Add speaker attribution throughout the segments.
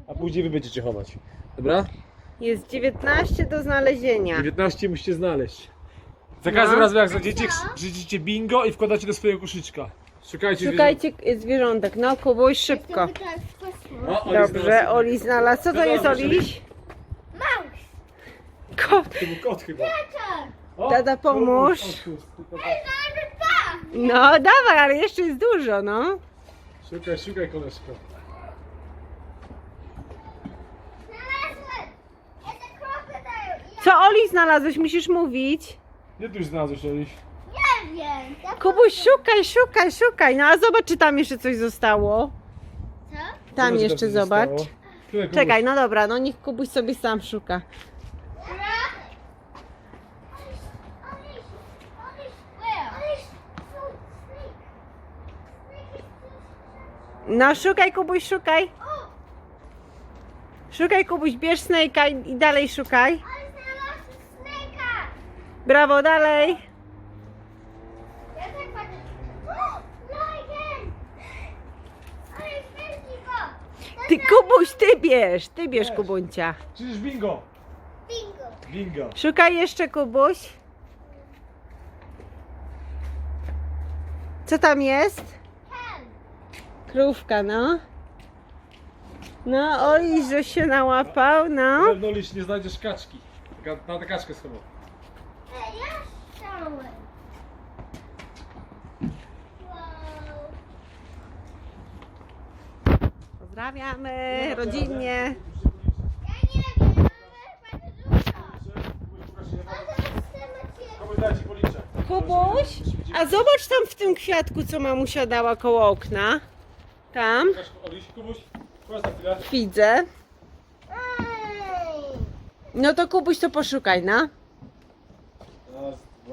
Speaker 1: a później wy będziecie chować. Dobra?
Speaker 2: Jest 19 do znalezienia.
Speaker 1: 19 musicie znaleźć. Za każdym razem jak znajdziecie, krzyczcie bingo i wkładacie do swojego koszyczka.
Speaker 2: Szukajcie zwierzątek. No, Kubuś, szybko.
Speaker 1: O, Oli
Speaker 2: Dobrze,
Speaker 1: znalazł.
Speaker 2: Oli znalazł. Co to jest, Oliś?
Speaker 3: Maus!
Speaker 2: Kot.
Speaker 1: To był kot chyba. O,
Speaker 2: Tata, pomóż. No, dawaj, ale jeszcze jest dużo, no.
Speaker 1: Szukaj koleżko.
Speaker 3: Znalazłem! It's a crocodile!
Speaker 2: Co, Oli, znalazłeś? Musisz mówić.
Speaker 1: Nie tu już znalazłeś, Oli.
Speaker 3: Nie wiem!
Speaker 2: Kubuś, szukaj. No, a zobacz, czy tam jeszcze coś zostało.
Speaker 3: Co?
Speaker 2: Tam
Speaker 1: Zobacz,
Speaker 2: jeszcze
Speaker 1: coś
Speaker 2: zobacz.
Speaker 1: zostało. Tutaj, Kubuś.
Speaker 2: Czekaj, no dobra, no niech Kubuś sobie sam szuka. No, szukaj, Kubuś, szukaj. Szukaj, Kubuś, bierz Snake'a i dalej szukaj. Brawo, dalej. Ty, Kubuś, ty bierz, Kubuncia.
Speaker 1: Przecież bingo.
Speaker 3: Bingo!
Speaker 1: Bingo.
Speaker 2: Szukaj jeszcze, Kubuś. Co tam jest? Krówka, no. No, oj, że się nałapał,
Speaker 1: Na
Speaker 2: no.
Speaker 1: pewno Liś nie znajdziesz kaczki. Na tę kaczkę schował.
Speaker 3: Ja chciałem! Wow!
Speaker 2: Pozdrawiamy rodzinnie.
Speaker 3: Ja nie wiem, ale bardzo dużo! A teraz chcemy
Speaker 1: Komuś dać ci policzek.
Speaker 2: Kubuś, a zobacz tam w tym kwiatku, co mamusia dała koło okna. Tam,
Speaker 1: Oliś, Kubuś, chodź na chwilę.
Speaker 2: widzę.
Speaker 3: Ej!
Speaker 2: No to Kubuś, to poszukaj, no.
Speaker 1: Raz, dwa.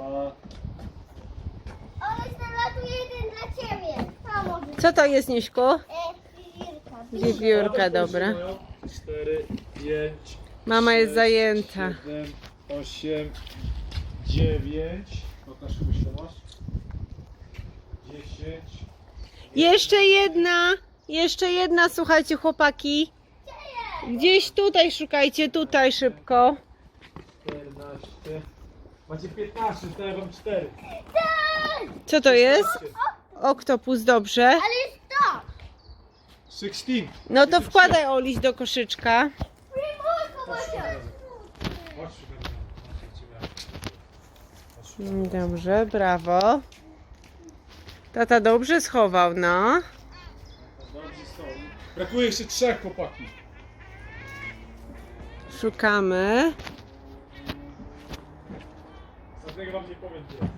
Speaker 3: Ale znalazł jeden dla ciebie! Pomóż!
Speaker 2: Co to jest, Nieśku?
Speaker 3: Wiewiórka.
Speaker 2: Wiewiórka, dobra.
Speaker 1: 4, 5.
Speaker 2: Mama jest zajęta.
Speaker 1: 7, 8, 9. Pokaż, Kubuś, to masz. 10.
Speaker 2: Jeszcze jedna, słuchajcie, chłopaki. Gdzieś tutaj szukajcie, tutaj szybko.
Speaker 1: 14. Macie 15, to ja wam 4.
Speaker 2: Co to jest? Oktopus, dobrze.
Speaker 3: Ale jest to!
Speaker 1: 16.
Speaker 2: No to wkładaj, Oliś, do koszyczka.
Speaker 1: Chodź,
Speaker 2: Dobrze, brawo. Tata dobrze schował, no.
Speaker 1: Brakuje jeszcze 3 chłopaki.
Speaker 2: Szukamy.
Speaker 1: Żadnego wam nie powiem gdzie.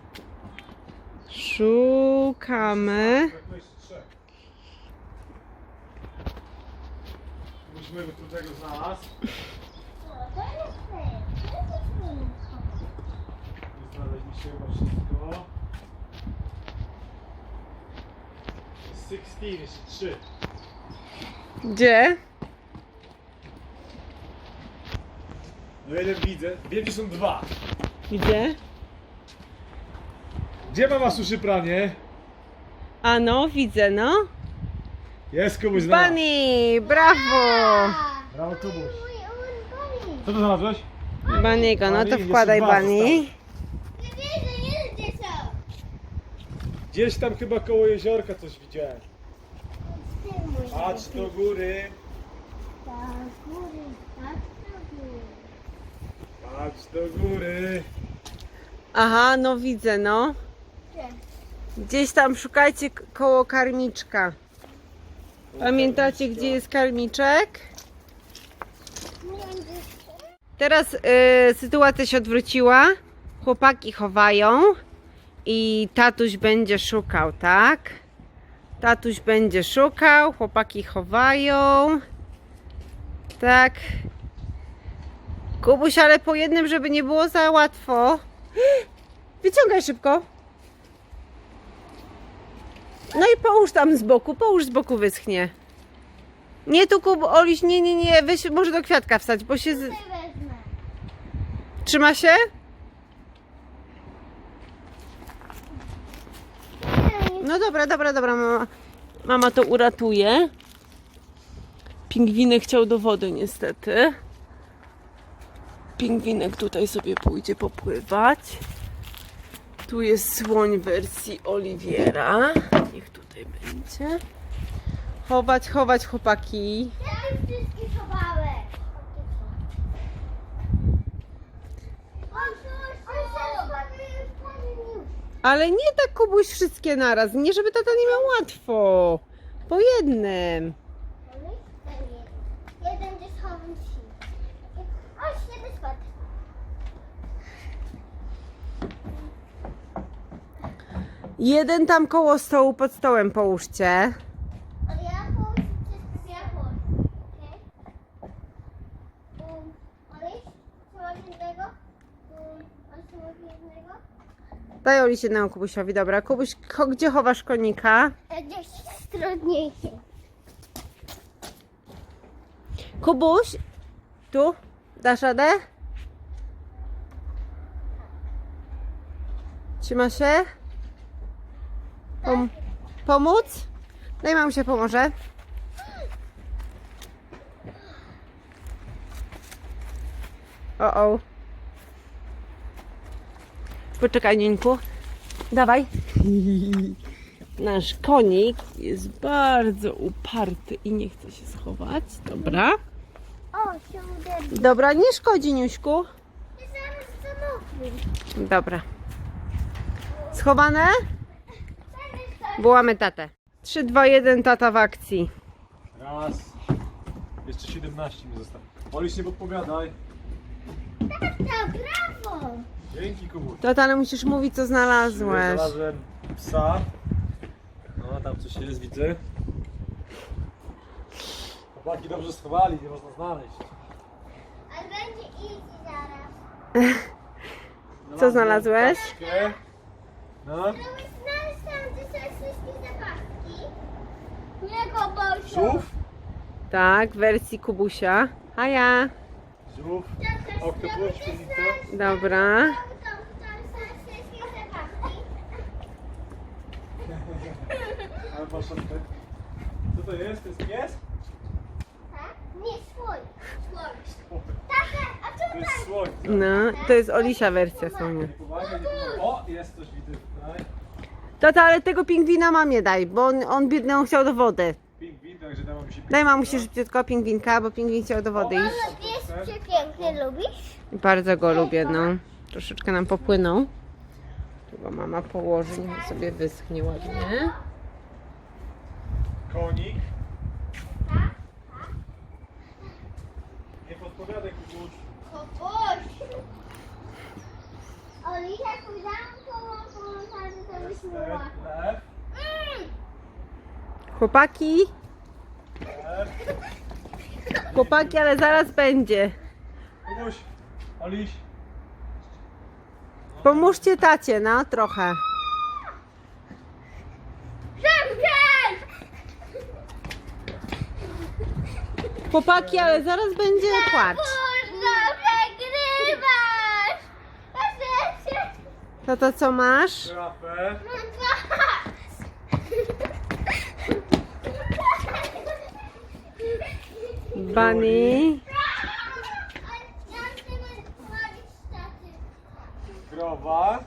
Speaker 2: Szukamy.
Speaker 1: Brakuje jeszcze 3. Musimy go trudnego znalazł. Znaleźliście chyba wszystko. 16, jeszcze 3.
Speaker 2: Gdzie?
Speaker 1: No jeden widzę. Wiem, gdzie są 2.
Speaker 2: Gdzie?
Speaker 1: Gdzie mama suszy pranie?
Speaker 2: A no, widzę, no.
Speaker 1: Jest komuś znalazł.
Speaker 2: Bunny, brawo.
Speaker 1: Brawo, Kubuś. Co to znalazłeś?
Speaker 2: Bunny'ego, no to
Speaker 1: Bunny,
Speaker 2: wkładaj
Speaker 1: jeszcze 2
Speaker 2: Bunny.
Speaker 3: Nie wiedzę, nie wiem gdzie są!
Speaker 1: Gdzieś tam chyba koło jeziorka coś widziałem.
Speaker 3: Ty mój.
Speaker 1: Patrz do góry.
Speaker 3: Tak, góry, tak, do góry.
Speaker 1: Patrz do góry.
Speaker 2: Aha, no widzę, no. Gdzieś tam szukajcie koło karmiczka. Pamiętacie, gdzie jest karmiczek? Teraz sytuacja się odwróciła. Chłopaki chowają i tatuś będzie szukał, tak? Tatuś będzie szukał, chłopaki chowają. Tak. Kubuś, ale po jednym, żeby nie było za łatwo. Wyciągaj szybko. No i połóż tam z boku wyschnie. Nie tu, Oliś, nie, weź może do kwiatka wstać, bo się...
Speaker 3: Wezmę.
Speaker 2: Trzyma się? No dobra, mama to uratuje. Pingwinek chciał do wody niestety. Pingwinek tutaj sobie pójdzie popływać. Tu jest słoń w wersji Oliwiera. Niech tutaj będzie. Chować, chować chłopaki.
Speaker 3: Ja już wszystkie chowałem.
Speaker 2: Ale nie tak, Kubuś, wszystkie naraz. Nie, żeby tata nie miał łatwo. Po jednym.
Speaker 3: Jeden gdzieś chowam się. O, świetny skład.
Speaker 2: Jeden tam koło stołu, pod stołem połóżcie.
Speaker 3: Ale ja położę wszystko, ja położę. Okej? Oliś, trzeba jednego. Trzeba jednego.
Speaker 2: Daj Oliś jednemu Kubusiowi, dobra. Kubuś, gdzie chowasz konika?
Speaker 3: Gdzieś trudniejsze.
Speaker 2: Kubuś, tu? Dasz radę? Trzyma się? Pomóc? Daj mamusie pomoże. O. Poczekaj, Nieńku. Dawaj. Nasz konik jest bardzo uparty i nie chce się schować. Dobra.
Speaker 3: O, się uderzył.
Speaker 2: Dobra, nie szkodzi, Niuśku.
Speaker 3: I zaraz zamoknę.
Speaker 2: Dobra. Schowane? Wołamy tatę. 3, 2, 1, tata w akcji.
Speaker 1: Raz. Jeszcze 17 mi zostało. Oliś, nie podpowiadaj.
Speaker 3: Tata, brawo!
Speaker 1: Dzięki, Kubuś.
Speaker 2: Tata, ale musisz mówić, co znalazłeś.
Speaker 1: Znalazłem psa. No, tam coś jest, widzę. Chłopaki dobrze schowali, nie można znaleźć.
Speaker 3: A będzie easy zaraz.
Speaker 2: Co znalazłeś?
Speaker 1: Paczkę. No.
Speaker 3: Próbuj znaleźć tam, gdzie są wszystkie zabawki. Nie go boję.
Speaker 1: Żółw.
Speaker 2: Tak, w wersji Kubusia. Haja.
Speaker 1: Żółw. Oktopus, świetlica.
Speaker 2: Dobra.
Speaker 3: Tam są wszystkie zabawki.
Speaker 1: Ale maszynkę. Co to jest? To jest pies?
Speaker 3: Tak? Nie, słoń. Słoń. Tata, a co
Speaker 1: To jest
Speaker 3: tam?
Speaker 1: słoń.
Speaker 2: No, to jest Olisia wersja słonia.
Speaker 1: Nie pomaga, nie pomaga. O, jest coś widzę tutaj.
Speaker 2: Tata, ale tego pingwina mamie daj, bo on biedny, on chciał do wody.
Speaker 1: Pingwin, także dam mi się
Speaker 2: Daj mamusi szybciutko pingwinka, bo pingwin chciał do wody iść.
Speaker 3: Mamo, pies pięknie lubisz?
Speaker 2: Bardzo go lubię, no. Troszeczkę nam popłynął. Tu go mama położy, niech sobie wyschnie ładnie.
Speaker 1: Konik. Nie podpowiadaj, Kubuś.
Speaker 3: Kogoś. Olisia, pójdę połączamy to
Speaker 1: Jest
Speaker 3: wyśmiała.
Speaker 1: lew.
Speaker 2: Chłopaki,
Speaker 1: Lew.
Speaker 2: chłopaki, ale zaraz będzie.
Speaker 1: Kubuś. Oliś.
Speaker 2: Pomóżcie tacie, no, trochę.
Speaker 3: Szybciej!
Speaker 2: Chłopaki, ale zaraz będzie płacz.
Speaker 3: Kurno, przegrywasz! Proszę.
Speaker 2: Tata, co masz?
Speaker 1: Żyrafę.
Speaker 3: Mam dwa.
Speaker 2: Bunny.
Speaker 3: Ja chcę wchodzić z taty.
Speaker 1: Krowa.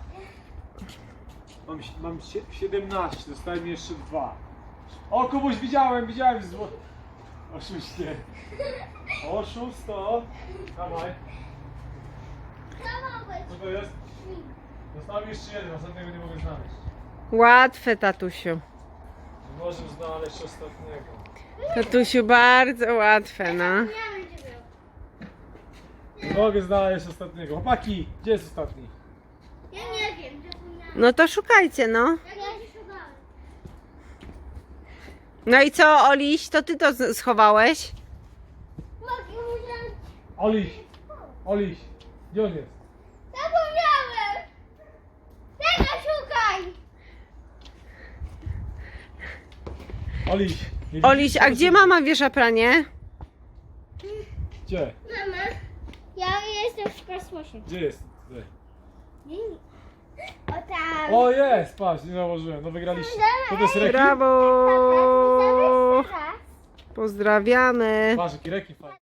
Speaker 1: Mam 17, zostały mi jeszcze 2. O, Kubuś, widziałem zło... Oszuście. Oszusto. Dawaj.
Speaker 3: Co mogłeś?
Speaker 1: Co to jest? Został mi jeszcze jeden, ostatniego nie mogę znaleźć.
Speaker 2: Łatwe, tatusiu.
Speaker 1: Nie możemy znaleźć ostatniego.
Speaker 2: Tatusiu, bardzo łatwe, no.
Speaker 3: Ja będzie był.
Speaker 1: Nie mogę znaleźć ostatniego. Chłopaki, gdzie jest ostatni?
Speaker 3: Ja nie wiem, zapomniałam.
Speaker 2: No to szukajcie, no.
Speaker 3: Ja się szukałam.
Speaker 2: No i co, Oliś, to ty to schowałeś?
Speaker 3: Mogę użyć.
Speaker 1: Oliś! Oliś! Gdzie on jest?
Speaker 3: Zapomniałem! Tego szukaj!
Speaker 1: Oliś! nie
Speaker 2: Oliś,
Speaker 1: widzisz?
Speaker 2: a gdzie mama wiesza pranie?
Speaker 1: Gdzie?
Speaker 3: Mama, ja jestem w kosmosie.
Speaker 1: Gdzie jest? Gdzie?
Speaker 3: O tam.
Speaker 1: O, jest! Patrz, nie założyłem. No wygraliście. To jest rekord?
Speaker 2: Brawo!
Speaker 3: Teraz.
Speaker 2: Pozdrawiamy.
Speaker 1: Patrz, jaki rekin fajny.